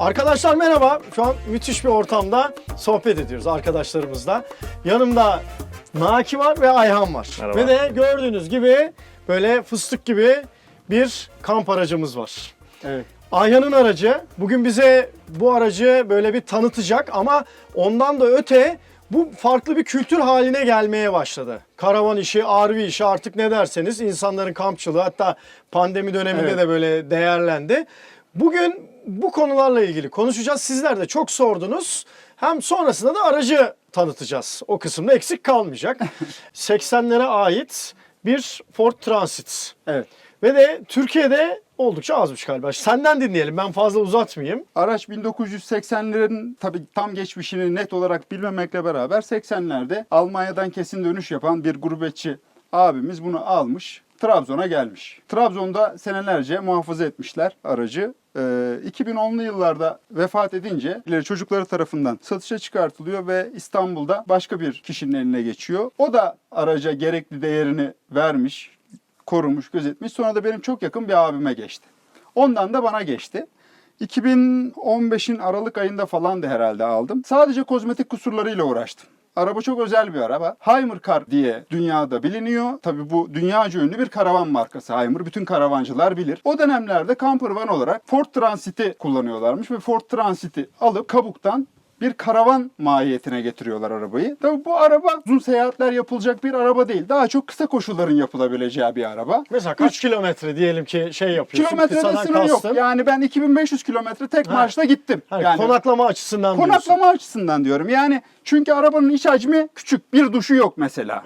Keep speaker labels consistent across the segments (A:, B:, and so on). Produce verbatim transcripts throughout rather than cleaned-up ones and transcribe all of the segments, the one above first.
A: Arkadaşlar merhaba. Şu an müthiş bir ortamda sohbet ediyoruz arkadaşlarımızla. Yanımda Naki var ve Ayhan var.
B: Merhaba.
A: Ve de gördüğünüz gibi böyle fıstık gibi bir kamp aracımız var.
C: Evet.
A: Ayhan'ın aracı. Bugün bize bu aracı böyle bir tanıtacak ama ondan da öte bu farklı bir kültür haline gelmeye başladı. Karavan işi, R V işi artık ne derseniz insanların kampçılığı hatta pandemi döneminde
C: Evet.
A: de böyle değerlendi. Bugün bu konularla ilgili konuşacağız. Sizler de çok sordunuz. Hem sonrasında da aracı tanıtacağız. O kısımda eksik kalmayacak. seksenlere ait bir Ford Transit.
C: Evet.
A: Ve de Türkiye'de oldukça azmış galiba. Senden dinleyelim. Ben fazla uzatmayayım.
C: Araç bin dokuz yüz seksenlerin tabii tam geçmişini net olarak bilmemekle beraber seksenlerde Almanya'dan kesin dönüş yapan bir gurbetçi abimiz bunu almış. Trabzon'a gelmiş. Trabzon'da senelerce muhafaza etmişler aracı. Ee, iki bin onlu yıllarda vefat edince çocukları tarafından satışa çıkartılıyor ve İstanbul'da başka bir kişinin eline geçiyor. O da araca gerekli değerini vermiş, korumuş, gözetmiş. Sonra da benim çok yakın bir abime geçti. Ondan da bana geçti. iki bin on beşin Aralık ayında falan da herhalde aldım. Sadece kozmetik kusurlarıyla uğraştım. Araba çok özel bir araba. Hymercar diye dünyada biliniyor. Tabii bu dünyaca ünlü bir karavan markası Hymer. Bütün karavancılar bilir. O dönemlerde camper van olarak Ford Transit'i kullanıyorlarmış ve Ford Transit'i alıp kabuktan bir karavan mahiyetine getiriyorlar arabayı. Tabii bu araba uzun seyahatler yapılacak bir araba değil. Daha çok kısa koşulların yapılabileceği bir araba.
A: Mesela kaç kilometre diyelim ki şey yapıyorsun?
C: Kilometrede
A: kısadan
C: sınır yok.
A: kastın.
C: Yani ben iki bin beş yüz kilometre tek
A: Ha.
C: marşla gittim.
A: Hani
C: yani
A: konaklama açısından diyorsun.
C: konaklama açısından diyorum. Yani çünkü arabanın iç hacmi küçük. Bir duşu yok mesela.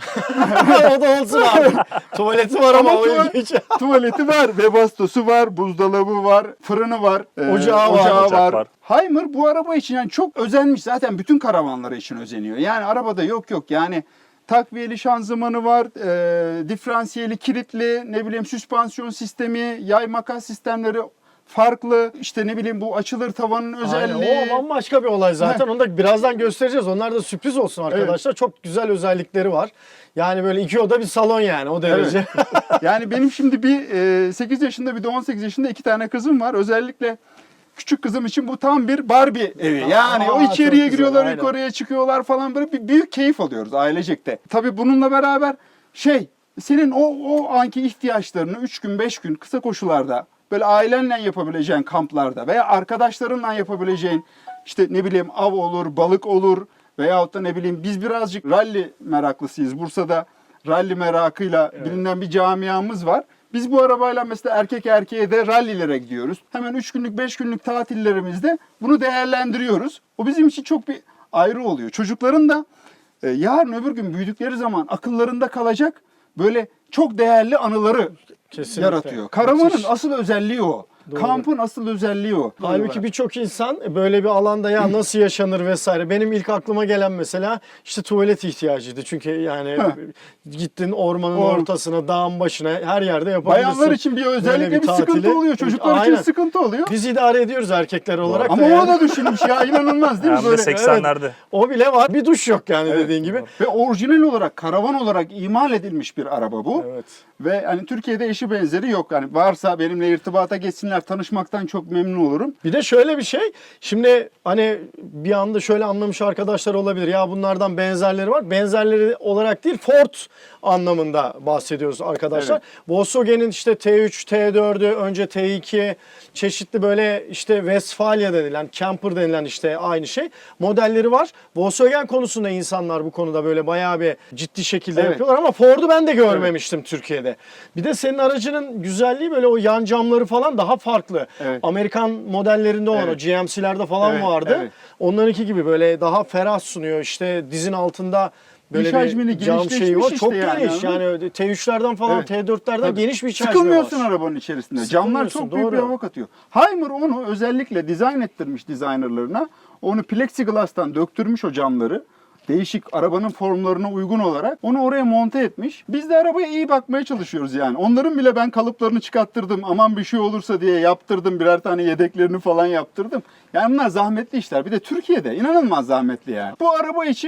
A: O da olsun abi. Tuvaleti var ama,
C: Ama
A: o
C: tuval-
A: ilginç.
C: Tuvaleti var, webastosu var, buzdolabı var, fırını var, e,
A: Ocağı var.
C: ocağı
B: Ocak
C: var.
B: var.
C: Hymer bu araba için yani çok özenmiş. Zaten bütün karavanları için özeniyor. Yani arabada yok yok yani takviyeli şanzımanı var, e, diferansiyeli kilitli, ne bileyim süspansiyon sistemi, yay makas sistemleri farklı. İşte ne bileyim bu açılır tavanın özelliği.
A: Aynen, o bambaşka bir olay zaten. Onu da birazdan göstereceğiz. Onlar da sürpriz olsun arkadaşlar. Çok güzel özellikleri var. Yani böyle iki oda bir salon yani o derece.
C: Yani benim şimdi bir e, sekiz yaşında bir de on sekiz yaşında iki tane kızım var. Özellikle küçük kızım için bu tam bir Barbie evi. Yani
A: Aa,
C: o
A: çok
C: içeriye
A: güzel,
C: giriyorlar,
A: aynen.
C: yukarıya çıkıyorlar falan böyle bir büyük keyif alıyoruz ailecek de. Tabii bununla beraber şey senin o o anki ihtiyaçlarını üç gün beş gün kısa koşularda böyle ailenle yapabileceğin kamplarda veya arkadaşlarınla yapabileceğin işte ne bileyim av olur, balık olur veyahut da ne bileyim biz birazcık ralli meraklısıyız. Bursa'da ralli merakıyla bilinen bir camiamız var. Biz bu arabayla mesela erkek erkeğe de rallilere gidiyoruz. Hemen üç günlük beş günlük tatillerimizde bunu değerlendiriyoruz. O bizim için çok bir ayrı oluyor. Çocukların da e, yarın öbür gün büyüdükleri zaman akıllarında kalacak böyle çok değerli anıları
A: Kesinlikle.
C: yaratıyor. Karavanın
A: Müthiş.
C: asıl özelliği o.
A: Doğru.
C: Kampın asıl özelliği o.
A: Halbuki birçok insan böyle bir alanda ya nasıl yaşanır vesaire. Benim ilk aklıma gelen mesela işte tuvalet ihtiyacıydı. Çünkü yani
C: Heh.
A: gittin ormanın
C: Or-
A: ortasına, dağın başına her yerde yapabilirsin.
C: Bayanlar için bir
A: böyle
C: özellikle bir,
A: tatili.
C: sıkıntı oluyor. Çocuklar
A: Aynen.
C: için sıkıntı oluyor.
A: Biz idare ediyoruz erkekler olarak
C: Ama
A: da
C: o
A: yani.
C: da düşünmüş ya inanılmaz değil mi?
B: Hem de
C: Böyle.
B: seksenlerde.
A: O bile var. Bir duş yok yani dediğin gibi.
C: Ve orijinal olarak karavan olarak imal edilmiş bir araba bu.
A: Evet.
C: Ve hani Türkiye'de eşi benzeri yok. Yani varsa benimle irtibata geçsinler, tanışmaktan çok memnun olurum.
A: Bir de şöyle bir şey. Şimdi hani bir anda şöyle anlamış arkadaşlar olabilir. Ya bunlardan benzerleri var. Benzerleri olarak değil Ford anlamında bahsediyoruz arkadaşlar.
C: Evet.
A: Volkswagen'in işte T üç, T dördü, önce T iki çeşitli böyle işte Westfalia denilen, camper denilen işte aynı şey modelleri var. Volkswagen konusunda insanlar bu konuda böyle bayağı bir ciddi şekilde
C: Evet.
A: yapıyorlar ama Ford'u ben de görmemiştim Türkiye'de. Bir de senin aracının güzelliği böyle o yan camları falan daha farklı.
C: Evet.
A: Amerikan modellerinde olan
C: Evet.
A: o G M C'lerde falan
C: Evet,
A: vardı.
C: evet.
A: Onlarınki gibi böyle daha ferah sunuyor. İşte dizin altında böyle
C: İç
A: bir
C: hacmini
A: cam şeyi var.
C: genişleşmiş
A: Çok
C: işte yani,
A: geniş.
C: anladın
A: Yani T üçlerden falan
C: Evet.
A: T dörtlerden
C: Tabii.
A: geniş bir iç hacmi
C: Sıkılmıyorsun
A: var.
C: arabanın içerisinde. Camlar
A: Sıkılmıyorsun,
C: çok büyük bir
A: doğru.
C: hava katıyor. Hymer onu özellikle dizayn ettirmiş designerlarına. Onu plexiglass'tan döktürmüş o camları. Değişik arabanın formlarına uygun olarak onu oraya monte etmiş. Biz de arabaya iyi bakmaya çalışıyoruz yani. Onların bile ben kalıplarını çıkarttırdım. Aman bir şey olursa diye yaptırdım. Birer tane yedeklerini falan yaptırdım. Yani bunlar zahmetli işler. Bir de Türkiye'de inanılmaz zahmetli yani. Bu araba için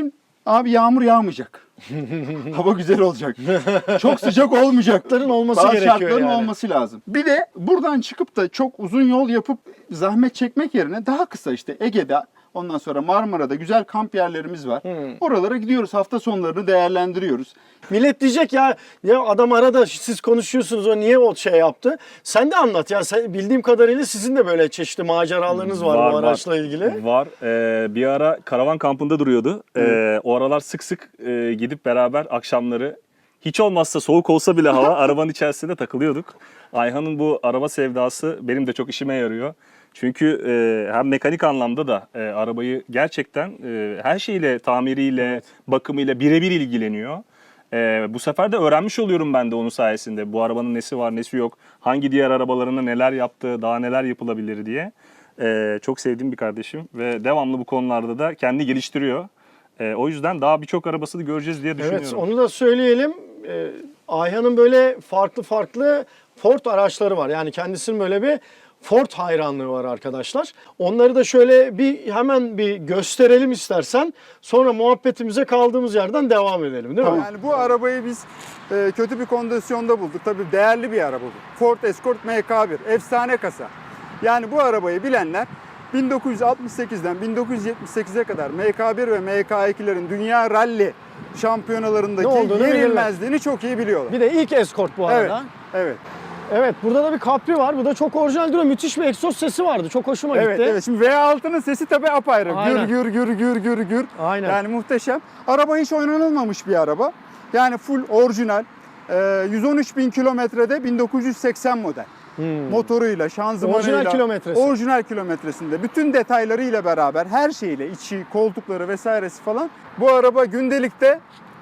C: Abi yağmur yağmayacak. Hava güzel olacak. Çok sıcak olmayacak.
A: Şartların olması
C: Bazı
A: gerekiyor
C: şartların
A: yani.
C: olması lazım. Bir de buradan çıkıp da çok uzun yol yapıp zahmet çekmek yerine daha kısa işte Ege'de, ondan sonra Marmara'da güzel kamp yerlerimiz var.
A: Hmm.
C: Oralara gidiyoruz. Hafta sonlarını değerlendiriyoruz.
A: Millet diyecek ya, ya adam arada siz konuşuyorsunuz, o niye o şey yaptı? Sen de anlat ya. Sen, bildiğim kadarıyla sizin de böyle çeşitli maceralarınız var, bu araçla ilgili.
B: Var. Ee, bir ara karavan kampında duruyordu. Ee, o aralar sık sık e, gidip beraber akşamları, hiç olmazsa soğuk olsa bile hava, arabanın içerisinde takılıyorduk. Ayhan'ın bu araba sevdası benim de çok işime yarıyor. Çünkü e, hem mekanik anlamda da e, arabayı gerçekten e, her şeyle, tamiriyle,
A: Evet.
B: bakımıyla birebir ilgileniyor. E, bu sefer de öğrenmiş oluyorum ben de onun sayesinde. Bu arabanın nesi var, nesi yok, hangi diğer arabalarına neler yaptı, daha neler yapılabilir diye. E, çok sevdiğim bir kardeşim ve devamlı bu konularda da kendi geliştiriyor. E, o yüzden daha birçok arabasını göreceğiz diye düşünüyorum.
A: Evet, onu da söyleyelim. Ee, Ayhan'ın böyle farklı farklı Ford araçları var. Yani kendisinin böyle bir Ford hayranlığı var arkadaşlar. Onları da şöyle bir hemen bir gösterelim istersen. Sonra muhabbetimize kaldığımız yerden devam edelim, değil mi?
C: Yani bu arabayı biz e, kötü bir kondisyonda bulduk. Tabii değerli bir araba bu. Ford Escort M K bir. Efsane kasa. Yani bu arabayı bilenler bin dokuz yüz altmış sekizden bin dokuz yüz yetmiş sekize kadar M K bir ve M K ikilerin dünya rally şampiyonalarındaki
A: Ne olduğunu
C: yenilmezliğini çok iyi biliyorlar.
A: Bir de ilk Escort bu
C: Evet,
A: arada.
C: evet.
A: Evet, burada da bir Capri var. Bu da çok orijinal duruyor. Müthiş bir egzoz sesi vardı. Çok hoşuma
C: Evet,
A: gitti.
C: evet. Şimdi V altının sesi tabii apayrı.
A: Aynen.
C: Gür gür gür gür gür gür.
A: Aynen.
C: Yani muhteşem. Araba hiç oynanılmamış bir araba. Yani full orijinal. Ee, yüz on üç bin kilometrede bin dokuz yüz seksen model.
A: Hmm.
C: Motoruyla, şanzımanıyla.
A: Orijinal kilometresi.
C: Orijinal kilometresinde. Bütün detaylarıyla beraber, her şeyle, içi, koltukları vesairesi falan. Bu araba gündelikte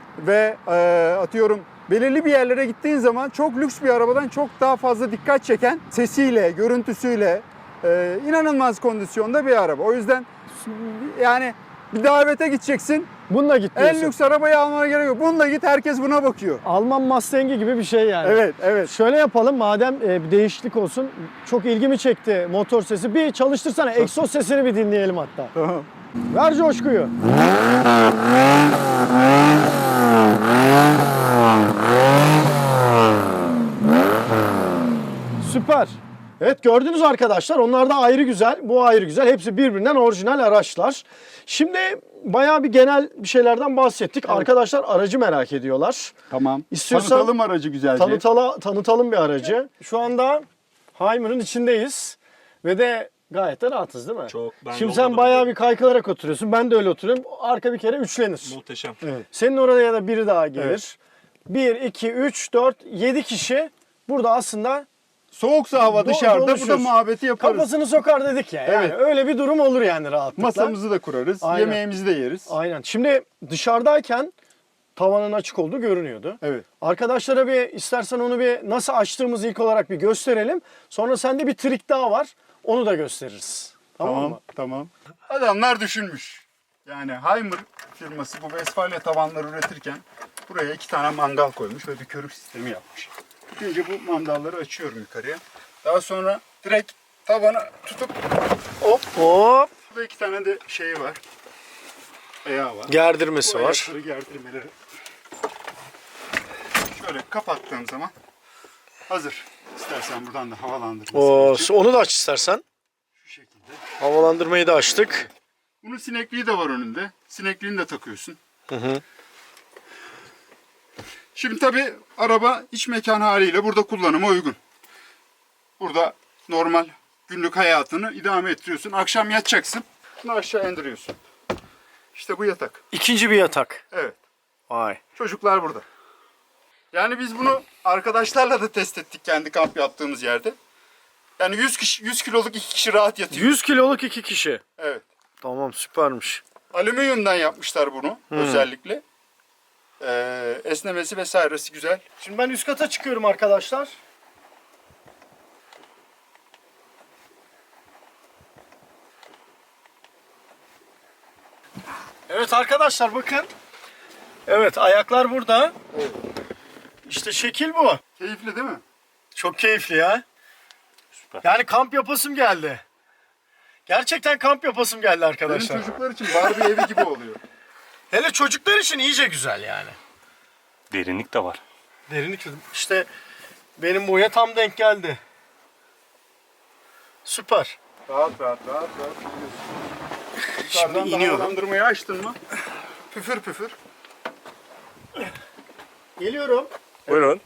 C: ve e, atıyorum belirli bir yerlere gittiğin zaman çok lüks bir arabadan çok daha fazla dikkat çeken sesiyle, görüntüsüyle e, inanılmaz kondisyonda bir araba. O yüzden yani bir davete gideceksin.
A: Bununla git
C: En
A: diyorsun.
C: lüks arabayı almana gerek yok. Bununla git, herkes buna bakıyor.
A: Alman Mustang'i gibi bir şey yani.
C: Evet, evet.
A: Şöyle yapalım madem e, bir değişiklik olsun. Çok ilgimi çekti motor sesi. Bir çalıştırsana. Egzoz sesini bir dinleyelim hatta.
C: Tamam.
A: Ver coşkuyu. Süper. Evet, gördünüz arkadaşlar, onlar da ayrı güzel, bu ayrı güzel. Hepsi birbirinden orijinal araçlar. Şimdi bayağı bir genel bir şeylerden bahsettik.
C: Evet.
A: Arkadaşlar aracı merak ediyorlar.
C: Tamam.
A: İstiyorsan
C: Tanıtalım aracı güzelce.
A: Tanıtala, tanıtalım bir aracı. Şu anda Hymer'ın içindeyiz ve de gayet de rahatız, değil mi?
B: Çok. Ben
A: Şimdi
B: yolda
A: sen
B: da
A: bayağı
B: biliyorum.
A: bir kaykılarak oturuyorsun. Ben de öyle oturuyorum. Arka bir kere üçlenir.
B: Muhteşem.
C: Evet.
A: Senin oraya da biri daha gelir.
C: Evet.
A: bir, iki, üç, dört, yedi kişi burada aslında
C: Soğuksa hava
A: Do-
C: dışarıda, burada
A: doluşur.
C: muhabbeti yaparız.
A: kafasını sokar dedik ya. Yani
C: Evet.
A: öyle bir durum olur yani rahatlıkla.
C: Masamızı da kurarız,
A: Aynen.
C: yemeğimizi de yeriz.
A: Aynen. Şimdi dışarıdayken tavanın açık olduğu görünüyordu.
C: Evet.
A: Arkadaşlara bir istersen onu bir nasıl açtığımızı ilk olarak bir gösterelim. Sonra sende bir trik daha var. Onu da gösteririz. Tamam,
C: Tamam,
A: mı?
C: tamam. Adamlar düşünmüş. Yani Hymer firması bu Westfalia tavanları üretirken buraya iki tane mangal koymuş ve bir körük sistemi yapmış. Önce bu mandalları açıyorum yukarıya. Daha sonra direkt tavanı tutup hop,
A: Hop.
C: burada iki tane de şeyi var. Ayağı var.
A: Gerdirmesi
C: Bu
A: var.
C: ayakları gerdirmeleri. Şöyle kapattığım zaman hazır. İstersen buradan da havalandırması
A: O,
C: için
A: onu da aç istersen.
C: şu şekilde.
A: Havalandırmayı da açtık.
C: Bunun sinekliği de var önünde. Sinekliğini de takıyorsun.
A: Hı hı.
C: Şimdi tabii araba iç mekan haliyle burada kullanıma uygun. Burada normal günlük hayatını idame ettiriyorsun. Akşam yatacaksın. Bunu aşağı indiriyorsun. İşte bu yatak.
A: İkinci bir yatak.
C: Evet.
A: Vay.
C: Çocuklar burada. Yani biz bunu arkadaşlarla da test ettik kendi kamp yaptığımız yerde. Yani yüz kişi, yüz kiloluk iki kişi rahat yatıyor.
A: yüz kiloluk iki kişi.
C: Evet.
A: Tamam, süpermiş.
C: Alüminyumdan yapmışlar bunu özellikle. Ee, esnemesi vesairesi güzel.
A: Şimdi ben üst kata çıkıyorum arkadaşlar. Evet arkadaşlar, bakın. Evet, ayaklar burada.
C: Evet.
A: İşte şekil bu.
C: Keyifli değil mi?
A: Çok keyifli ya. Yani kamp yapasım geldi. Gerçekten kamp yapasım geldi
C: Benim
A: arkadaşlar.
C: çocuklar için Barbie evi gibi oluyor.
A: Hele çocuklar için iyice güzel yani.
B: Derinlik de var.
A: Derinlik işte benim boya tam denk geldi. Süper.
C: Rahat rahat rahat rahat.
A: Şimdi
C: Yukarıdan
A: iniyorum.
C: havalandırmayı açtın mı? Püfür püfür.
A: Geliyorum.
B: Buyurun.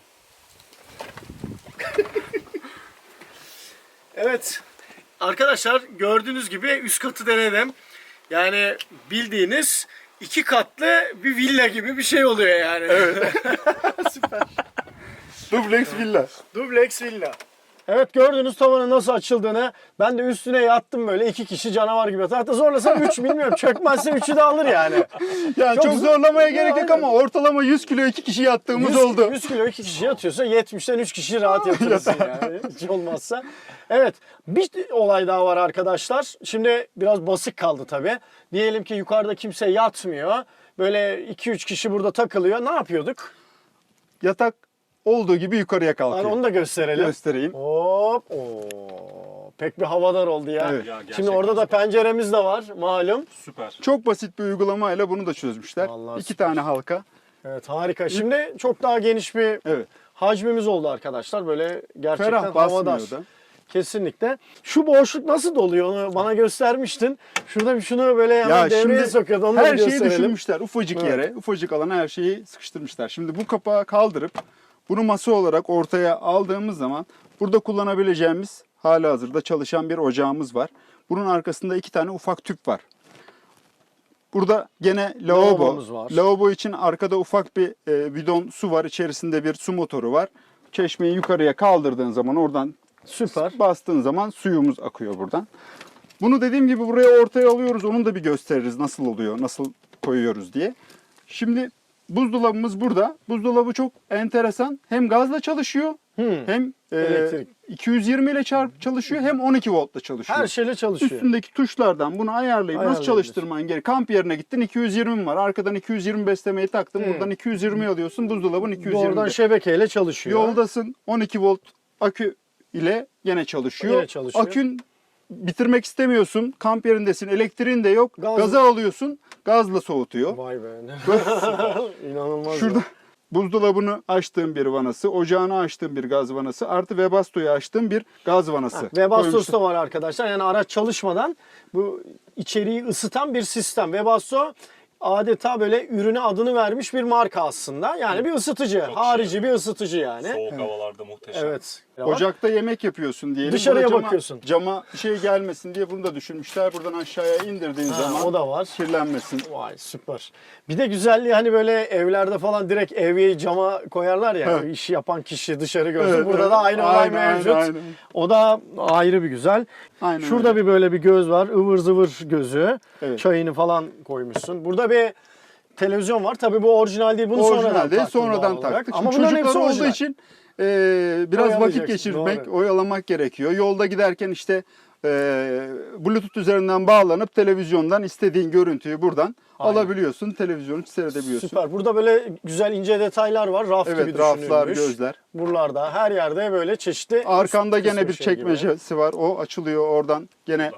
A: Evet. Arkadaşlar gördüğünüz gibi üst katı denedim. Yani bildiğiniz iki katlı bir villa gibi bir şey oluyor yani. Evet. Süper.
C: Dubleks villa.
A: Dubleks villa. Evet gördünüz tavanın nasıl açıldığını. Ben de üstüne yattım böyle iki kişi canavar gibi. Hatta zorlasam üç bilmiyorum. Çökmezse üçü de alır yani.
C: Yani çok,
A: Çok
C: zorlamaya
A: zor-
C: gerek yok
A: Aynen.
C: ama ortalama yüz kilo iki kişi yattığımız
A: yüz,
C: oldu.
A: yüz kilo iki kişi yatıyorsa yetmişten üç kişi rahat yatırırsın yani. Hiç olmazsa. Evet bir olay daha var arkadaşlar. Şimdi biraz basık kaldı tabii. Diyelim ki yukarıda kimse yatmıyor. Böyle iki üç kişi burada takılıyor. Ne yapıyorduk?
C: Yatak olduğu gibi yukarıya kalkıyor.
A: Yani onu da gösterelim.
C: Göstereyim.
A: Hop. Oo. Pek bir havadar oldu ya.
C: Evet.
B: Ya,
A: Şimdi
B: gerçekten
A: orada da
B: süper.
A: penceremiz de var malum.
B: Süper.
C: Çok basit bir uygulamayla bunu da çözmüşler.
A: Vallahi
C: İki
A: süper.
C: tane halka.
A: Evet harika. Şimdi çok daha geniş bir
C: Evet.
A: hacmimiz oldu arkadaşlar. Böyle gerçekten
C: Ferah basmıyor
A: havadar.
C: da.
A: Kesinlikle. Şu boşluk nasıl doluyor onu bana göstermiştin. Şurada bir şunu böyle hemen
C: Ya
A: devreye
C: şimdi
A: sokuyordu. Onu da
C: her
A: bir
C: şeyi
A: gösterelim.
C: düşünmüşler. Ufacık
A: Evet.
C: yere, ufacık alana her şeyi sıkıştırmışlar. Şimdi bu kapağı kaldırıp bunu masa olarak ortaya aldığımız zaman burada kullanabileceğimiz halihazırda çalışan bir ocağımız var. Bunun arkasında iki tane ufak tüp var. Burada gene lavabo.
A: Lavabomuz var.
C: Lavabo için arkada ufak bir e, bidon su var. İçerisinde bir su motoru var. Çeşmeyi yukarıya kaldırdığın zaman oradan
A: Süper.
C: bastığın zaman suyumuz akıyor buradan. Bunu dediğim gibi buraya ortaya alıyoruz. Onun da bir gösteririz nasıl oluyor, nasıl koyuyoruz diye. Şimdi buzdolabımız burada. Buzdolabı çok enteresan. Hem gazla çalışıyor
A: Hmm.
C: hem e,
A: Elektrik.
C: iki yüz yirmi ile çarp çalışıyor hem on iki voltla çalışıyor.
A: Her şeyle çalışıyor.
C: Üstündeki tuşlardan bunu ayarlayıp nasıl
A: Ayarlayabilir.
C: çalıştırman gerek. Kamp yerine gittin iki yüz yirmi var. Arkadan iki yüz yirmi beslemeyi taktın.
A: Hmm.
C: Buradan iki yüz yirmi alıyorsun. Buzdolabın iki yüz yirmi.
A: Doğrudan şebekeyle çalışıyor.
C: Yoldasın on iki volt akü ile yine çalışıyor.
A: Yine çalışıyor.
C: Akün bitirmek istemiyorsun. Kamp yerindesin. Elektriğin de yok.
A: Gaz-
C: Gaza alıyorsun. Gazla soğutuyor.
A: Vay be. İnanılmaz.
C: Şurada
A: ya.
C: buzdolabını açtığım bir vanası, ocağını açtığım bir gaz vanası, artı Webasto'yu açtığım bir gaz vanası.
A: Webasto'su
C: koymuşlar.
A: da var arkadaşlar. Yani araç çalışmadan bu içeriği ısıtan bir sistem. Webasto adeta böyle ürüne adını vermiş bir marka aslında. Yani bir ısıtıcı. Harici bir ısıtıcı yani.
B: Soğuk havalarda muhteşem.
A: Evet.
C: Ocakta yemek yapıyorsun diyelim.
A: Dışarıya
C: Burada cama-
A: bakıyorsun.
C: Cama şey gelmesin diye bunu da düşünmüşler. Buradan aşağıya indirdiğin
A: Ha,
C: zaman
A: o da var.
C: kirlenmesin.
A: Vay süper. Bir de güzelliği hani böyle evlerde falan direkt evyeyi cama koyarlar ya.
C: Evet.
A: İşi yapan kişi dışarı görsün.
C: Evet,
A: Burada
C: evet.
A: da aynı olay
C: Aynen, aynen,
A: mevcut.
C: aynen.
A: O da ayrı bir güzel.
C: Aynen
A: Şurada
C: öyle.
A: bir böyle bir göz var. Ivır zıvır gözü.
C: Evet.
A: Çayını falan koymuşsun. Burada bir televizyon var. Tabii bu orijinal değil. Bunu sonradan
C: Orijinal değil,
A: taktın
C: sonradan
A: doğal olarak.
C: taktık.
A: Ama
C: Şimdi
A: bunların
C: çocuklar
A: hepsi
C: olduğu
A: orijinal.
C: için e, biraz vakit
A: Oyalayacaksın,
C: geçirmek,
A: doğru.
C: oyalamak gerekiyor. Yolda giderken işte e, Bluetooth üzerinden bağlanıp televizyondan istediğin görüntüyü buradan
A: Aynen.
C: alabiliyorsun. Televizyonu seyredebiliyorsun.
A: Süper. Burada böyle güzel ince detaylar var. Raf gibi
C: Evet, raflar,
A: düşünülmüş.
C: gözler.
A: Buralarda her yerde böyle çeşitli.
C: Arkanda
A: üst-
C: gene
A: üst
C: bir
A: şey gibi.
C: çekmecesi var. O açılıyor oradan. Gene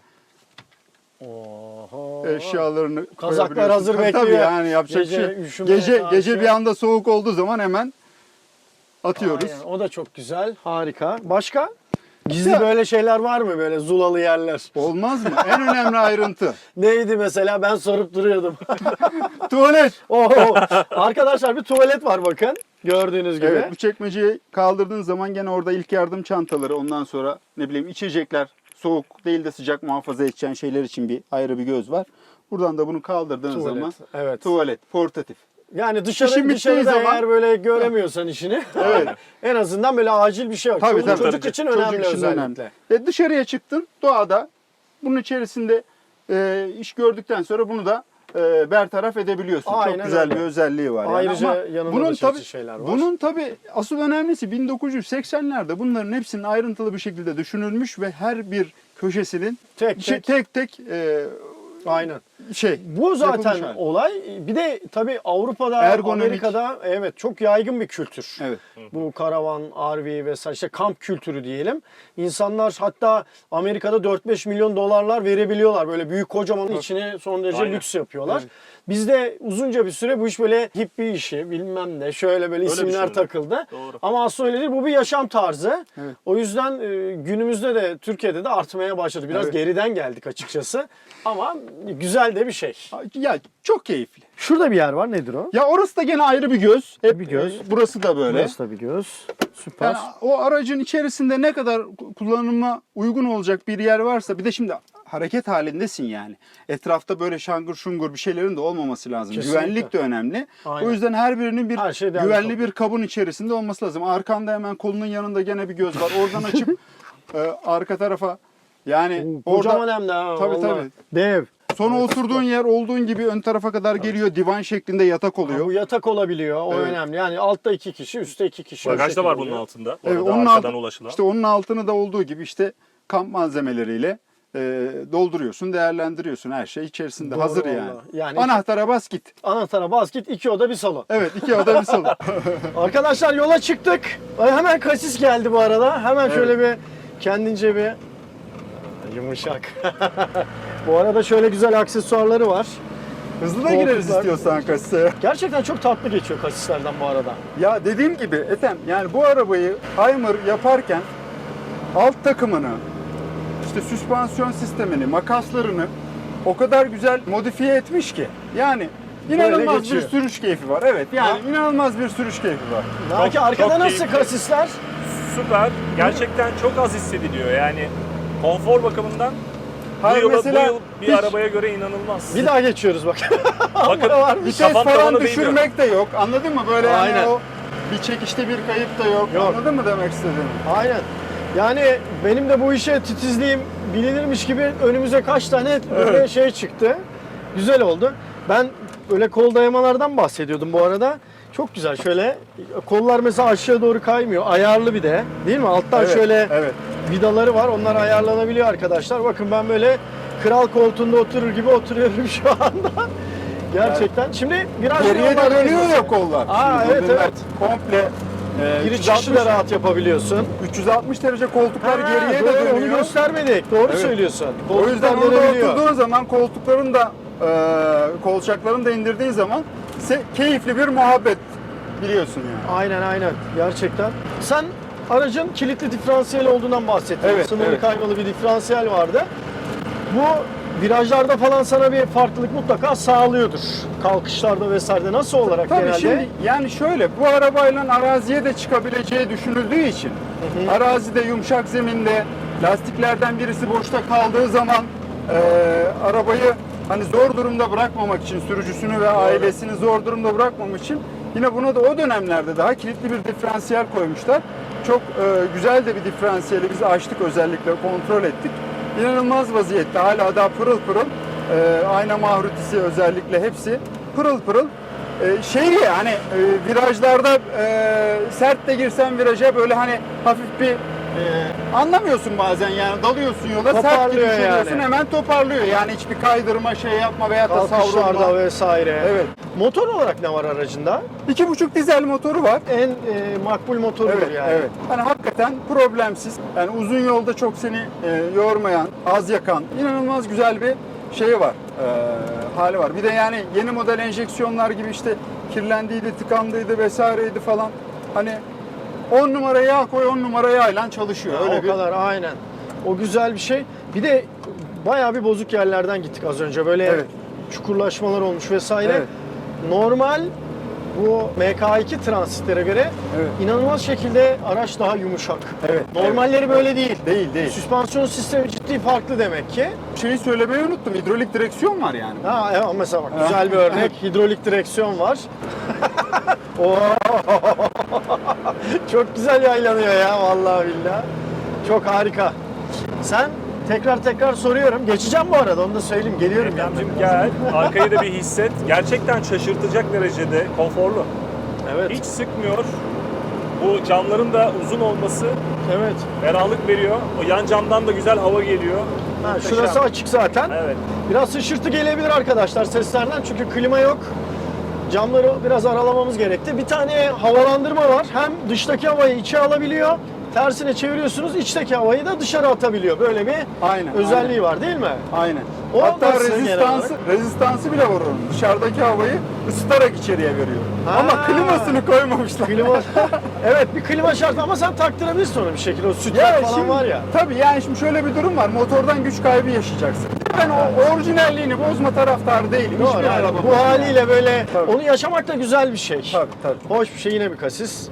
A: Oho.
C: eşyalarını
A: Kazaklar
C: koyabiliyorsun.
A: hazır
C: Tabii,
A: bekliyor.
C: Tabii yani yapacak
A: Gece
C: bir şey.
A: üşümeye
C: Gece
A: karşı.
C: gece bir anda soğuk olduğu zaman hemen atıyoruz.
A: Aynen, o da çok güzel. Harika. Başka? Gizli
C: Ya-
A: böyle şeyler var mı? Böyle zulalı yerler.
C: Olmaz mı? En önemli ayrıntı.
A: Neydi mesela? Ben sorup duruyordum.
C: Tuvalet.
A: Oho. Arkadaşlar bir tuvalet var bakın. Gördüğünüz gibi.
C: Evet, bu çekmeceyi kaldırdığın zaman gene orada ilk yardım çantaları, ondan sonra ne bileyim içecekler, soğuk değil de sıcak muhafaza edeceğin şeyler için bir ayrı bir göz var. Buradan da bunu kaldırdığın
A: Tuvalet,
C: zaman
A: evet.
C: tuvalet, portatif.
A: Yani dışarı,
C: İşin bittiği
A: dışarıda
C: zaman-
A: eğer böyle göremiyorsan işini
C: Evet.
A: en azından böyle acil bir şey var.
C: Tabii,
A: Çoluk
C: tabii.
A: çocuk için
C: Çocuk
A: önemli
C: için
A: özellikle.
C: önemli. Ve dışarıya çıktın doğada, bunun içerisinde e, iş gördükten sonra bunu da e, bertaraf edebiliyorsun.
A: Aynen
C: Çok güzel
A: öyle.
C: bir özelliği var. yani.
A: Ayrıca
C: Ama
A: yanında
C: bunun
A: da çeşitli
C: tabii,
A: şeyler var.
C: Bunun tabii asıl önemlisi bin dokuz yüz seksenlerde bunların hepsinin ayrıntılı bir şekilde düşünülmüş ve her bir köşesinin
A: Tek
C: şey-
A: tek.
C: tek, tek e,
A: Aynen.
C: şey.
A: Bu zaten
C: yapılmış hali.
A: olay. Bir de tabii Avrupa'da,
C: Ergonomik.
A: Amerika'da evet çok yaygın bir kültür.
C: Evet.
A: Bu karavan, R V vesaire işte kamp kültürü diyelim. İnsanlar hatta Amerika'da dört beş milyon dolarlar verebiliyorlar. Böyle büyük kocaman içine son derece
B: Aynen.
A: lüks yapıyorlar.
C: Evet.
A: Bizde uzunca bir süre bu iş böyle hippie işi bilmem ne şöyle böyle
B: Öyle
A: isimler
B: düşünüldü.
A: takıldı.
B: Doğru.
A: Ama aslında öyle değil, bu bir yaşam tarzı.
C: Evet.
A: O yüzden e, günümüzde de Türkiye'de de artmaya başladı. Biraz
C: Evet.
A: geriden geldik açıkçası. Ama güzel de bir şey.
C: Ya çok keyifli.
A: Şurada bir yer var. Nedir o?
C: Ya orası da gene ayrı bir göz. Hep
A: Bir göz.
C: e, Burası da böyle.
A: Burası da bir göz. Süper.
C: Yani o aracın içerisinde ne kadar kullanıma uygun olacak bir yer varsa, bir de şimdi hareket halindesin yani. Etrafta böyle şangır şungur bir şeylerin de olmaması lazım.
A: Kesinlikle.
C: Güvenlik de önemli.
A: Aynen.
C: O yüzden her birinin bir
A: Her şey değerli
C: güvenli
A: toplu.
C: bir kabın içerisinde olması lazım. Arkanda hemen kolunun yanında gene bir göz var. Oradan açıp e, arka tarafa yani
A: Kocaman
C: orada
A: hem de ha,
C: Tabii,
A: vallahi.
C: tabii.
A: Dev.
C: sonra oturduğun yer olduğun gibi ön tarafa kadar geliyor. Divan şeklinde yatak oluyor.
A: Bu yatak olabiliyor. O
C: Evet.
A: önemli. Yani altta iki kişi, üstte iki kişi. O
B: Bagaj da
A: şekilde
B: var bunun
A: oluyor.
B: altında. Bu
C: Evet,
B: arada
C: onun
B: arkadan
C: altı-
B: ulaşılan.
C: İşte onun altını da olduğu gibi işte kamp malzemeleriyle e, dolduruyorsun, değerlendiriyorsun. Her şey içerisinde
A: Doğru
C: hazır
A: vallahi.
C: yani.
A: Yani-
C: Anahtara bas git.
A: Anahtara bas git, iki oda bir salon.
C: Evet, iki oda bir salon.
A: Arkadaşlar yola çıktık. Ay, hemen kasis geldi bu arada. Hemen şöyle bir kendince bir yumuşak. Bu arada şöyle güzel aksesuarları var.
C: Hızlı da gireriz
A: Koltuklar-
C: istiyorsan kasaya.
A: Gerçekten çok tatlı geçiyor kasislerden bu arada.
C: Ya dediğim gibi Ethem, yani bu arabayı Hymer yaparken alt takımını, işte süspansiyon sistemini, makaslarını o kadar güzel modifiye etmiş ki. Yani inanılmaz bir
A: geçiyor.
C: sürüş keyfi var. Evet, yani
A: Ha?
C: inanılmaz bir sürüş keyfi var.
A: Belki
B: Çok-
A: arkada
B: çok
A: nasıl
B: keyifli.
A: kasisler?
B: Süper. Gerçekten çok az hissediliyor. Yani konfor bakımından bu
C: Hayır,
B: yıl, bu
C: mesela
B: yıl bir
C: hiç-
B: arabaya göre inanılmaz.
A: Bir daha geçiyoruz bak.
B: Bakın
A: varmış.
C: Vites
B: kafam
C: falan
B: tavana değmiyor.
C: düşürmek de yok. Anladın mı? Böyle
A: Aynen.
C: yani o bir çekişte bir kayıp da yok.
A: Yok.
C: Anladın mı demek istediğimi?
A: Aynen. Yani benim de bu işe titizliğim bilinirmiş gibi önümüze kaç tane böyle
C: Evet.
A: şey çıktı. Güzel oldu. Ben böyle kol dayamalardan bahsediyordum bu arada. Çok güzel şöyle kollar mesela aşağı doğru kaymıyor. Ayarlı bir de değil mi? Alttan
C: Evet,
A: şöyle
C: evet.
A: vidaları var. Onlar ayarlanabiliyor arkadaşlar. Bakın ben böyle kral koltuğunda oturur gibi oturuyorum şu anda. Gerçekten. Şimdi biraz
C: Geriye de
A: yollardayız
C: dönüyor
A: mesela.
C: ya kollar.
A: Aa,
C: Şimdi
A: evet,
C: bunlar
A: evet.
C: Komple e,
A: Giriş
C: üç yüz altmış
A: çıkışı da rahat yapabiliyorsun.
C: üç yüz altmış derece koltuklar
A: Ha,
C: geriye
A: doğru,
C: de
A: onu
C: dönüyor.
A: göstermedik. Doğru
C: Evet.
A: söylüyorsun.
C: O yüzden
A: Koltuklar
C: orada
A: dönebiliyor.
C: oturduğun zaman koltukların da e, kolçaklarını da indirdiğin zaman se- keyifli bir muhabbet biliyorsun yani.
A: Aynen aynen. Gerçekten. Sen aracın kilitli diferansiyel olduğundan bahsettin.
C: Evet,
A: Sınırlı
C: evet.
A: kaymalı bir diferansiyel vardı. Bu virajlarda falan sana bir farklılık mutlaka sağlıyordur. Kalkışlarda vesaire. Nasıl olarak
C: Tabii
A: genelde?
C: şimdi yani şöyle, bu arabayla araziye de çıkabileceği düşünüldüğü için arazide yumuşak zeminde lastiklerden birisi boşta kaldığı zaman e, arabayı hani zor durumda bırakmamak için, sürücüsünü ve ailesini zor durumda bırakmamak için yine buna da o dönemlerde daha kilitli bir diferansiyel koymuşlar. Çok e, güzel de bir diferansiyeli biz açtık, özellikle kontrol ettik. İnanılmaz vaziyette, hala daha pırıl pırıl. E, ayna mahrutisi özellikle hepsi pırıl pırıl. E, şey ya hani e, virajlarda e, sert de girsen viraja böyle hani hafif bir e, anlamıyorsun bazen yani, dalıyorsun yola, sert
A: Toparlıyor
C: giriş ediyorsun,
A: yani.
C: hemen toparlıyor. Yani hiçbir kaydırma şey yapma veya da
A: Kalkışlarda
C: savrulma.
A: vesaire.
C: Evet.
A: Motor olarak ne var aracında?
C: iki buçuk dizel motoru var.
A: En e, makbul motorudur
C: Evet,
A: yani.
C: evet. Hani hakikaten problemsiz. Yani uzun yolda çok seni e, yormayan, az yakan, inanılmaz güzel bir şey var. E, hali var. Bir de yani yeni model enjeksiyonlar gibi işte kirlendiydi, tıkandıydı vesaireydi falan. Hani on numara yağ koy, on numara yağla çalışıyor.
A: Ha,
C: Öyle
A: o
C: bir
A: kadar aynen. O güzel bir şey. Bir de bayağı bir bozuk yerlerden gittik az önce. Böyle
C: Evet.
A: çukurlaşmalar olmuş vesaire.
C: Evet.
A: Normal bu M K iki transitlere göre
C: Evet.
A: inanılmaz şekilde araç daha yumuşak.
C: Evet,
A: Normalleri
C: evet.
A: böyle değil.
C: Değil, değil.
A: Süspansiyon sistemi ciddi farklı demek ki.
C: Şeyi söylemeyi unuttum. Hidrolik direksiyon var yani.
A: Ha evet, mesela bak güzel bir örnek. Hidrolik direksiyon var. Oo. Çok güzel yaylanıyor ya vallahi billahi. Çok harika. Sen tekrar tekrar soruyorum. Geçeceğim bu arada, onu da söyleyeyim. Geliyorum
B: Ekrem'cim
A: yanına.
B: gel. Arkayı da bir hisset. Gerçekten şaşırtacak derecede konforlu.
A: Evet.
B: Hiç sıkmıyor. Bu camların da uzun olması
A: Evet.
B: ferahlık veriyor. O yan camdan da güzel hava geliyor.
A: Ha,
B: Muhteşem.
A: şurası açık zaten.
B: Evet.
A: Biraz hışırtı gelebilir arkadaşlar seslerden çünkü klima yok. Camları biraz aralamamız gerekti. Bir tane havalandırma var. Hem dıştaki havayı içe alabiliyor. Tersine çeviriyorsunuz, içteki havayı da dışarı atabiliyor. Böyle bir
C: Aynen,
A: özelliği
C: aynen.
A: var değil mi?
C: Aynen.
A: O
C: Hatta
A: nasıl genel
C: rezistansı,
A: olarak?
C: rezistansı bile var onun. Dışarıdaki havayı ısıtarak içeriye veriyor.
A: Ha.
C: Ama klimasını koymamışlar.
A: Klima, evet bir klima şart ama sen taktırabilirsin onu bir şekilde. O sütler
C: Ya
A: falan
C: şimdi,
A: var ya.
C: Tabii yani şimdi şöyle bir durum var. Motordan güç kaybı yaşayacaksın. Ben o orijinalliğini bozma taraftarı değilim.
A: Doğru,
C: Hiçbir
A: yani
C: araba
A: bu
C: bozmam.
A: haliyle böyle
C: Tabii.
A: onu yaşamak da güzel bir şey.
C: Tabii tabii.
A: Hoş bir şey, yine bir kasis.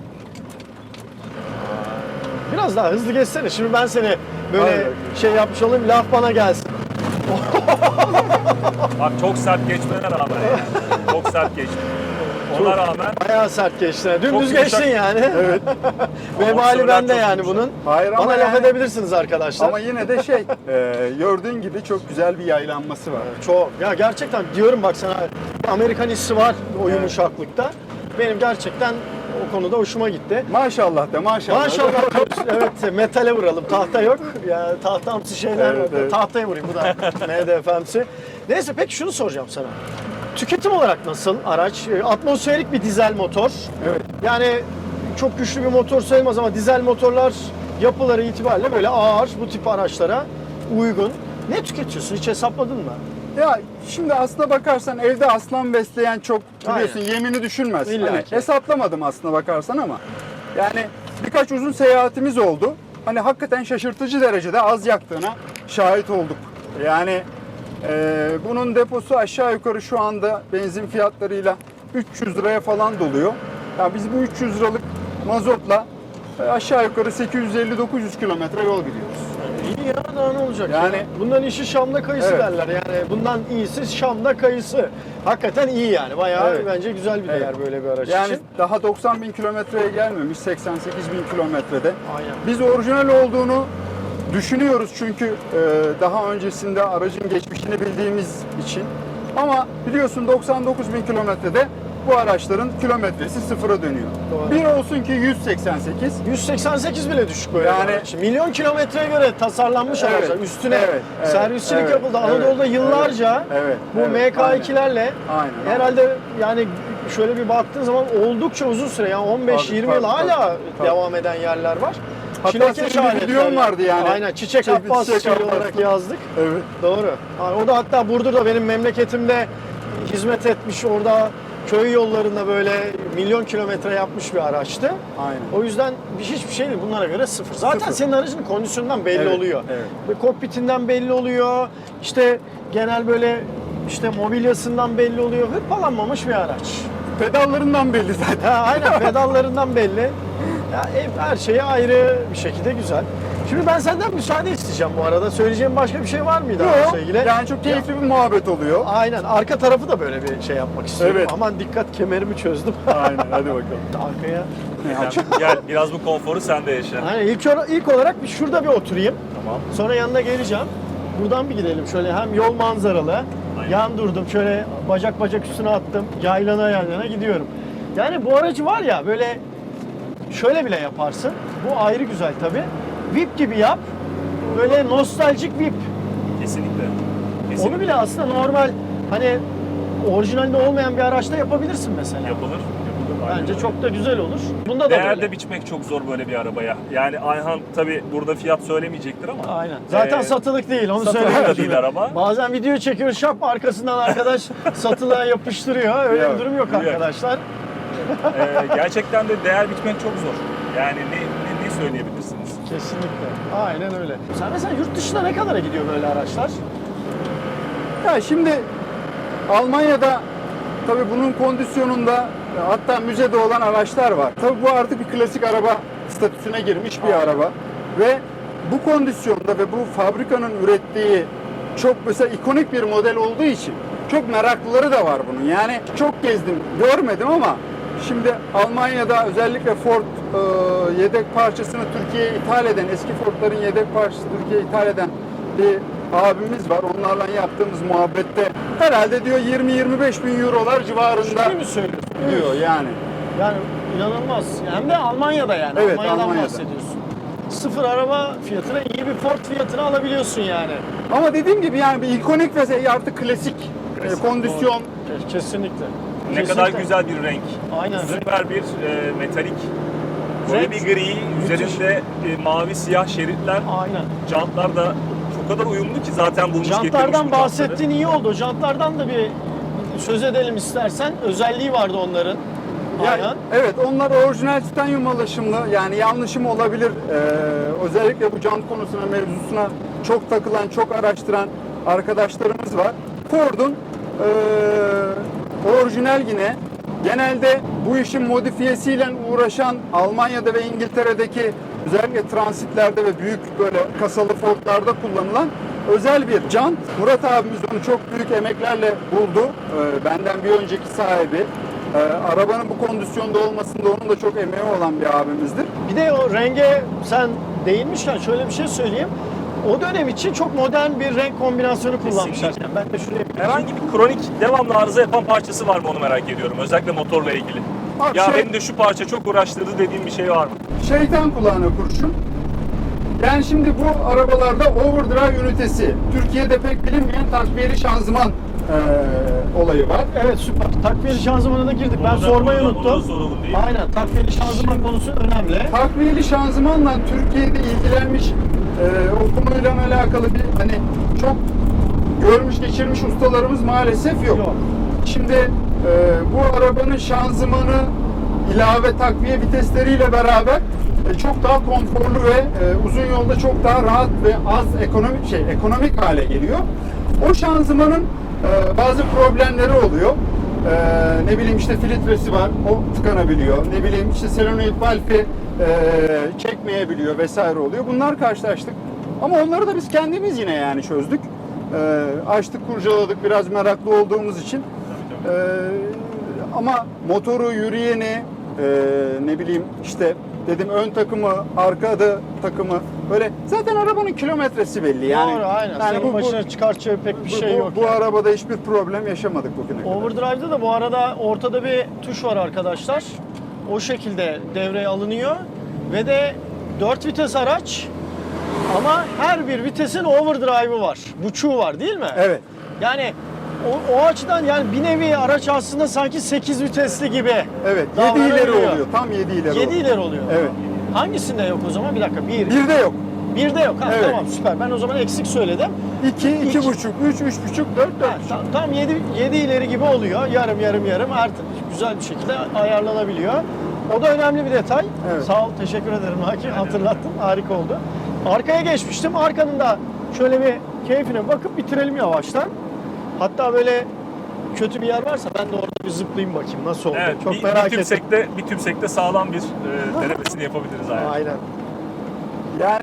A: Biraz daha hızlı geçsene. Şimdi ben seni böyle
C: Aynen.
A: şey yapmış olayım, laf bana gelsin.
B: Bak çok sert geçmene rağmen yani. Çok sert geçti. Ona rağmen
A: Bayağı sert geçtin. Dümdüz
B: yumuşak.
A: geçtin yani.
C: Evet.
A: Vebali
B: Amortisörler
A: bende
B: çok
A: yani
B: yumuşak.
A: bunun.
C: Hayır ama
A: Bana laf
C: yani-
A: edebilirsiniz arkadaşlar.
C: Ama yine de şey, e, gördüğün gibi çok güzel bir yaylanması var.
A: Çok. Ya gerçekten diyorum bak sana, Amerikan hissi var o
C: Evet.
A: yumuşaklıkta. Benim gerçekten o konuda hoşuma gitti.
C: Maşallah de maşallah.
A: Maşallah. Evet, metale vuralım. Tahta yok. Ya tahtamsı şeyler
C: Evet,
A: var.
C: evet.
A: Tahtaya vurayım, bu da M D F'msi. Neyse, peki şunu soracağım sana. Tüketim olarak nasıl araç? E, Atmosferik bir dizel motor.
C: Evet.
A: Yani çok güçlü bir motor sayılmaz ama dizel motorlar yapıları itibariyle böyle ağır, bu tip araçlara uygun. Ne tüketiyorsun? Hiç hesapladın mı?
C: Ya şimdi aslına bakarsan evde aslan besleyen çok biliyorsun,
A: Aynen.
C: yemini düşünmez.
A: İlla
C: Hani
A: ki.
C: hesaplamadım aslına bakarsan ama yani birkaç uzun seyahatimiz oldu. Hani hakikaten şaşırtıcı derecede az yaktığına şahit olduk. Yani e, bunun deposu aşağı yukarı şu anda benzin fiyatlarıyla üç yüz liraya falan doluyor. Ya biz bu üç yüz liralık mazotla e, aşağı yukarı sekiz yüz elli dokuz yüz kilometre yol gidiyoruz.
A: İyi ya, daha ne olacak?
C: Yani-
A: ya? Bundan işi Şam'da kayısı
C: Evet.
A: derler. Yani bundan iyisi Şam'da kayısı. Hakikaten iyi yani. Bayağı
C: Evet.
A: bence güzel bir değer
C: Evet.
A: böyle bir araç
C: Yani
A: için.
C: daha doksan bin kilometreye gelmemiş, seksen sekiz bin kilometrede.
A: Aynen.
C: Biz orijinal olduğunu düşünüyoruz çünkü e, daha öncesinde aracın geçmişini bildiğimiz için. Ama biliyorsun doksan dokuz bin kilometrede bu araçların kilometresi sıfıra dönüyor.
A: Doğru.
C: Bir olsun ki yüz seksen sekiz.
A: yüz seksen sekiz bile düşük böyle
C: Yani-
A: bir araç. Milyon kilometreye göre tasarlanmış
C: Evet,
A: araçlar. Üstüne
C: evet, evet,
A: servisçilik
C: evet,
A: yapıldı.
C: evet,
A: Anadolu'da
C: evet,
A: yıllarca
C: evet,
A: bu
C: evet,
A: M K ikilerle
C: Aynen.
A: herhalde yani şöyle bir baktığın zaman oldukça uzun süre, yani on beş
C: Tabii,
A: yirmi yıl
C: tabii,
A: hala
C: tabii, tabii.
A: devam eden yerler var.
C: Hatta
A: Çilekeş
C: senin bir
A: aletler
C: videon
A: yani.
C: vardı yani.
A: Aynen, Çiçek
C: Çiçek-
A: Abbas
C: Çiçek
A: şey
C: Abbas.
A: olarak yazdık.
C: Evet.
A: Doğru. Ha, o da hatta Burdur'da, benim memleketimde hizmet etmiş, orada köy yollarında böyle milyon kilometre yapmış bir araçtı.
C: Aynen.
A: O yüzden bir hiçbir şey değil, bunlara göre sıfır. Zaten
C: Sıfır.
A: senin aracının kondisyonundan belli
C: Evet,
A: oluyor.
C: evet.
A: Ve kokpitinden belli oluyor. İşte genel böyle işte mobilyasından belli oluyor. Hırpalanmamış bir araç.
C: Pedallarından belli zaten.
A: Ha, aynen, pedallarından belli. Ya, ev, her şeyi ayrı bir şekilde güzel. Şimdi ben senden müsaade isteyeceğim bu arada. Söyleyeceğim başka bir şey var mıydı
C: Yok,
A: araçla ilgili?
C: yani çok keyifli bir muhabbet oluyor.
A: Aynen. Arka tarafı da böyle bir şey yapmak istiyorum.
C: Evet.
A: Aman dikkat, kemerimi çözdüm.
C: Aynen, hadi bakalım.
A: Arkaya.
B: Sen gel biraz bu konforu sen de yaşa.
A: Aynen. İlk, ora- ilk olarak bir şurada bir oturayım.
B: Tamam.
A: Sonra yanına geleceğim. Buradan bir gidelim şöyle, hem yol manzaralı.
B: Aynen.
A: Yan durdum, şöyle bacak bacak üstüne attım. Yaylana yaylana gidiyorum. Yani bu aracı var ya, böyle şöyle bile yaparsın. Bu ayrı güzel tabii. V I P gibi yap. Böyle nostaljik V I P.
B: Kesinlikle. Kesinlikle.
A: Onu bile aslında normal, hani orijinalde olmayan bir araçta yapabilirsin mesela.
B: yapılır. yapılır. Aynen
A: Bence
B: öyle.
A: çok da güzel olur. Bunda da
B: Değer
A: böyle.
B: de biçmek çok zor böyle bir arabaya. Yani Ayhan tabi burada fiyat söylemeyecektir ama.
A: Aynen. Zaten
B: Ee,
A: satılık değil, onu
B: satılık
A: söyleyeyim.
B: da değil araba.
A: Bazen video çekiyor, şap arkasından arkadaş satılığa yapıştırıyor. Öyle
C: Yok,
A: bir durum yok
B: yok.
A: arkadaşlar.
B: Ee, gerçekten de değer biçmek çok zor. Yani ne, ne, ne söyleyebilirsiniz?
A: Kesinlikle. Aynen öyle. Sen mesela yurt dışına ne kadara gidiyor böyle araçlar?
C: Ya şimdi Almanya'da tabii bunun kondisyonunda hatta müzede olan araçlar var. Tabii bu artık bir klasik araba statüsüne girmiş bir araba ve bu kondisyonda ve bu fabrikanın ürettiği çok mesela ikonik bir model olduğu için çok meraklıları da var bunun. Yani çok gezdim, görmedim ama şimdi Almanya'da özellikle Ford e, yedek parçasını Türkiye'ye ithal eden, eski Ford'ların yedek parçası Türkiye'ye ithal eden bir abimiz var. Onlarla yaptığımız muhabbette herhalde diyor yirmi yirmi beş bin eurolar civarında
A: Ciddi mi söylüyorsun?
C: diyor yani.
A: Yani inanılmaz. Hem de Almanya'da yani.
C: Evet,
A: Almanya'dan
C: Almanya'da.
A: bahsediyorsun. Sıfır araba fiyatına iyi bir Ford fiyatını alabiliyorsun yani.
C: Ama dediğim gibi yani bir ikonik ve artık klasik,
B: Klasik,
C: e, kondisyon.
A: Ke- Kesinlikle.
B: Ne
A: Kesinlikle.
B: kadar güzel bir renk.
A: Aynen.
B: Süper bir e, metalik. Böyle
A: Renk-
B: bir gri,
A: Müthiş.
B: üzerinde e, mavi siyah şeritler.
A: Aynen.
B: Jantlar da o kadar uyumlu ki zaten bulmuş getirmiş bu
A: Jantlardan
B: jantları.
A: bahsettiğin iyi oldu. Jantlardan da bir söz edelim istersen. Özelliği vardı onların.
C: Ya,
A: Aynen.
C: evet, onlar orijinal titanyum alaşımlı, yani yanlışım olabilir. Ee, özellikle bu jant konusuna, mevzusuna çok takılan, çok araştıran arkadaşlarımız var. Ford'un ee, orijinal yine genelde bu işin modifiyesiyle uğraşan Almanya'da ve İngiltere'deki özellikle transitlerde ve büyük böyle kasalı Ford'larda kullanılan özel bir jant. Murat abimiz onu çok büyük emeklerle buldu. Ee, benden bir önceki sahibi. Ee, arabanın bu kondisyonda olmasında onun da çok emeği olan bir abimizdir.
A: Bir de o renge sen değinmişken şöyle bir şey söyleyeyim. O dönem için çok modern bir renk kombinasyonu kullanmışlar.
B: Kesinlikle.
A: Yani ben de şuraya bir
B: Herhangi bir kronik devamlı arıza yapan parçası var mı onu merak ediyorum. Özellikle motorla ilgili.
C: Bak
B: Ya
C: şey-
B: beni de şu parça çok uğraştırdı dediğim bir şey var mı?
C: Şeytan kulağına kurşun. Yani şimdi bu arabalarda overdrive ünitesi, Türkiye'de pek bilinmeyen takviyeli şanzıman eee, olayı var.
A: Evet, süper. Takviyeli şanzımana da girdik. Ben
B: Onu da-
A: sormayı
B: onu da- onu da
A: unuttum.
B: soralım değil mi?
A: Aynen. Takviyeli şanzıman konusu önemli.
C: Takviyeli şanzımanla Türkiye'de ilgilenmiş eee o konuyla alakalı bir hani çok görmüş geçirmiş ustalarımız maalesef yok.
A: Yok.
C: Şimdi eee, bu arabanın şanzımanı ilave takviye vitesleriyle beraber e, çok daha konforlu ve e, uzun yolda çok daha rahat ve az ekonomik şey ekonomik hale geliyor. O şanzımanın e, bazı problemleri oluyor. E, ne bileyim işte filtresi var, o tıkanabiliyor. Ne bileyim işte solenoid valfi e, çekmeyebiliyor vesaire oluyor. Bunlar karşılaştık. Ama onları da biz kendimiz yine yani çözdük. E, açtık, kurcaladık biraz meraklı olduğumuz için. E, ama motoru, yürüyeni, e, ne bileyim işte dedim ön takımı, arkada takımı böyle zaten arabanın kilometresi belli yani.
A: Doğru, aynen.
C: Yani
A: Senin başına çıkartacağı pek bir
C: bu,
A: şey
C: bu-
A: yok.
C: bu
A: yani.
C: arabada hiçbir problem yaşamadık bugüne kadar.
A: Overdrive'da da bu arada ortada bir tuş var arkadaşlar. O şekilde devreye alınıyor. Ve de dört vites araç ama her bir vitesin overdrive'ı var. Buçuğu var değil mi?
C: Evet.
A: Yani o, o açıdan yani bir nevi araç aslında sanki sekiz vitesli gibi.
C: Evet. yedi
A: davranabiliyor.
C: ileri oluyor. Tam yedi ileri
A: yedi
C: oluyor.
A: ileri oluyor.
C: Evet.
A: Hangisinde yok o zaman? Bir dakika. Bir.
C: Bir de yok.
A: Bir de yok. Ha,
C: Evet.
A: Tamam, süper. Ben o zaman eksik söyledim.
C: iki, iki
A: İki.
C: buçuk, üç, üç buçuk, dört,
A: Ha,
C: dört buçuk.
A: tam, tam yedi, yedi ileri gibi oluyor. Yarım yarım yarım artık güzel bir şekilde ayarlanabiliyor. O da önemli bir detay.
C: Evet.
A: Sağ ol, teşekkür ederim Haki. Hatırlattın, harika oldu. Arkaya geçmiştim. Arkanın da şöyle bir keyfine bakıp bitirelim yavaştan. Hatta böyle kötü bir yer varsa ben de orada bir zıplayayım bakayım nasıl oldu.
B: Evet,
A: Çok
B: bir,
A: merak
B: bir
A: ettim.
B: tümsekte, bir tümsekte sağlam bir e, denemesini yapabiliriz yani.
A: Aynen.
C: Yani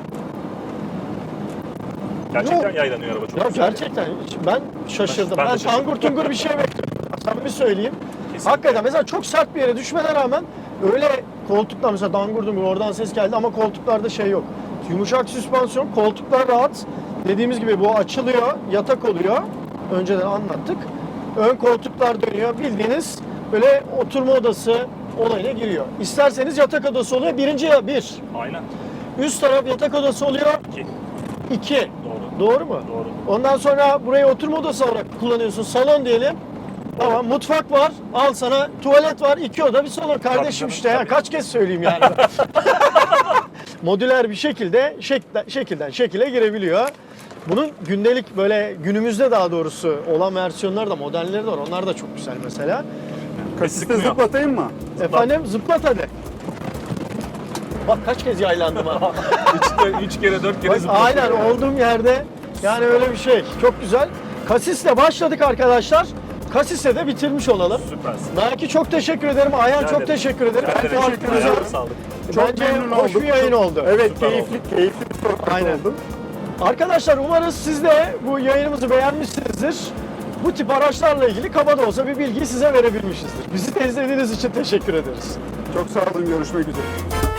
B: Gerçekten
A: Yok.
B: yaylanıyor araba çok
A: Ya
B: güzel.
A: gerçekten hiç- ben şaşırdım.
B: Ben
A: Ben,
B: de şaşırdım.
A: tangur tungur bir şey bekliyorum. Sana bir söyleyeyim.
B: Kesinlikle.
A: Hakikaten mesela çok sert bir yere düşmene rağmen öyle koltuklar mesela dangur dungur oradan ses geldi ama koltuklarda şey yok. Yumuşak süspansiyon, koltuklar rahat. Dediğimiz gibi bu açılıyor, yatak oluyor. Önceden anlattık. Ön koltuklar dönüyor. Bildiğiniz böyle oturma odası olayına giriyor. İsterseniz yatak odası oluyor. Birinci ya bir.
B: Aynen.
A: Üst taraf yatak odası oluyor.
B: İki.
A: İki.
B: Doğru.
A: Doğru mu?
B: Doğru.
A: Ondan sonra burayı oturma odası olarak kullanıyorsun. Salon diyelim. Tamam, mutfak var. Al sana tuvalet var. İki oda bir salon. Kardeşim
B: canım,
A: işte ya.
B: tabii.
A: Kaç kez söyleyeyim yani. Modüler bir şekilde şekilden, şekilden şekile girebiliyor. Bunun gündelik böyle günümüzde daha doğrusu olan versiyonları da modelleri de var. Onlar da çok güzel mesela.
C: kasiste
B: sıkmıyor.
C: zıplatayım mı?
A: Efendim zıplat hadi. Bak kaç kez yaylandım ha.
B: üç, üç kere dört kere
A: Bak,
B: zıpladı.
A: aynen olduğum yerde yani öyle bir şey. Çok güzel. Kasisle başladık arkadaşlar. Kasisle de bitirmiş olalım.
B: Süpersin.
A: Naki çok teşekkür ederim. Ayhan
B: Rica
A: çok
B: ederim.
A: teşekkür ederim.
B: Ben de
A: Farklı
C: teşekkür
A: güzel.
C: ederim.
B: Ayağına sağlık.
C: Çok
A: Bence
C: memnun
A: hoş
C: olduk.
A: bir yayın oldu.
C: Evet,
B: Süper
C: keyifli, keyifli bir sohbet
A: Aynen.
C: oldu.
A: Arkadaşlar umarız siz de bu yayınımızı beğenmişsinizdir. Bu tip araçlarla ilgili kaba da olsa bir bilgiyi size verebilmişizdir. Bizi de izlediğiniz için teşekkür ederiz.
C: Çok sağ olun, görüşmek üzere.